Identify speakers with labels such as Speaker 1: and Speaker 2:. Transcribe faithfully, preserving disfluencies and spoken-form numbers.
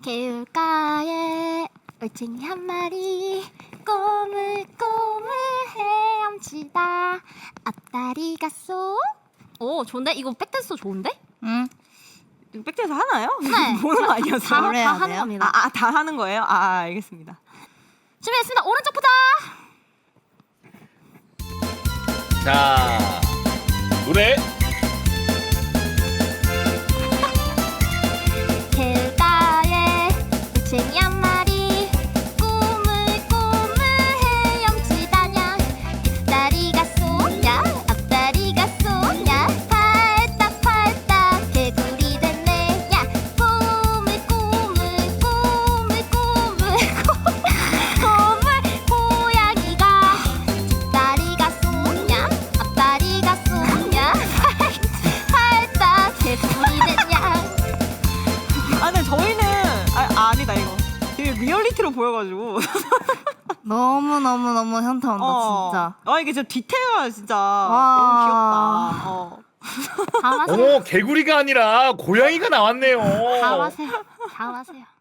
Speaker 1: 개울가에 올챙이 한 마리 꼬물꼬물 헤엄치다 앞다리가 쏙. 오 좋은데? 이거 백댄스 좋은데?
Speaker 2: 응.
Speaker 3: 백대에서 하나요?
Speaker 1: 네.
Speaker 3: 보는 거 아니었어요?
Speaker 1: 다, 다
Speaker 2: 그래야
Speaker 1: 하는
Speaker 2: 돼요?
Speaker 1: 겁니다.
Speaker 3: 아, 아, 다 하는 거예요? 아, 알겠습니다.
Speaker 1: 준비했습니다. 오른쪽부터.
Speaker 4: 자, 노래.
Speaker 1: 개울가에 올챙이 한 마리 꼬물꼬물 헤엄치다냐 뒷다리가 쏘냐 앞다리가 쏘냐 팔딱 팔딱 개구리 됐네 야 꼬물꼬물 꼬물꼬물 꼬물 고양이가 뒷다리가 쏘냐 앞다리가 쏘냐 팔딱 개구리 됐냐.
Speaker 3: 아, 근데 저희는 아, 아 아니다 이거. 되게 리얼리티로 보여가지고.
Speaker 2: 너무 너무 너무 현타 온다
Speaker 3: 어.
Speaker 2: 진짜.
Speaker 3: 아 이게 진짜 디테일가 진짜
Speaker 2: 와.
Speaker 3: 너무 귀엽다. 어.
Speaker 1: 다음 하세요.
Speaker 4: 어머, 개구리가 아니라 고양이가 나왔네요.
Speaker 1: 다음 하세요. 다음 하세요.